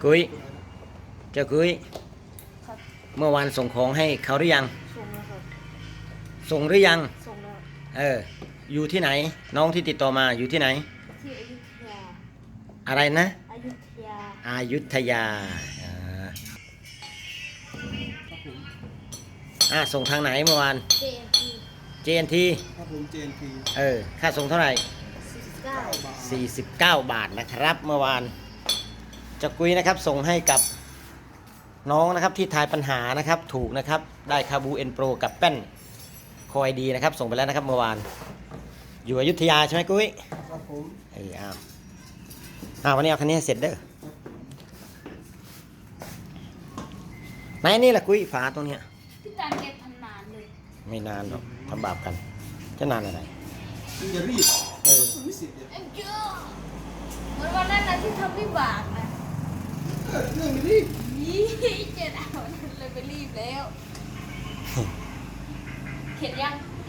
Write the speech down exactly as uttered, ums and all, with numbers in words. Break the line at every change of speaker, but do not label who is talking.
กุ้ยเจ้ากุ้ย
ครับ
เมื่อวานส่งของให้เขาหรือยัง
ส่งแล้วครับ
ส่งหรือยัง
ส่งแล้ว
เอออยู่ที่ไหนน้องที่ติดต่อมาอยู่ที่ไหน
ที่อยุธยา
อะไรนะ
อยุธยา
อายุทยาอ่าอ่าส่งทางไหนเมื่อวาน
เจ เอ็น ที
เจ เอ็น ที
ครับผม เจ เอ็น พี
เออค่าส่งเท่าไหร่
สี่สิบเก้า
สี่สิบเก้าบาทนะครับ เมื่อวานเจ้ากุ้ยนะครับส่งให้กับน้องนะครับที่ทายปัญหานะครับถูกนะครับได้คาบูเอ็นโปรกับแป้นคอยดีนะครับส่งไปแล้วนะครับเมื่อวานอยู่อยุธยาใช่ไหมกุ้ย
ครับผม
เอออ้าวอ้าววันนี้เอาคันนี้ให้เสร็จเด้อไหนนี่แหละกุ้ยฝาตรงเนี้ย
พี่ตาลเก็บทำนานเลย
ไม่นานหรอกทำบาปกันจะนานอะไร
มึงอย่ารีบ
เออ
มันไม่เสร็จเนี่ย
เอ็งเจ้าเหมือนวันนั้นนะที่ทำวิบากนะ
เออเรื่องไม่รีบ
ยี่เจ็ดเอาเลยไปรีบแล้ว เข็ดยัง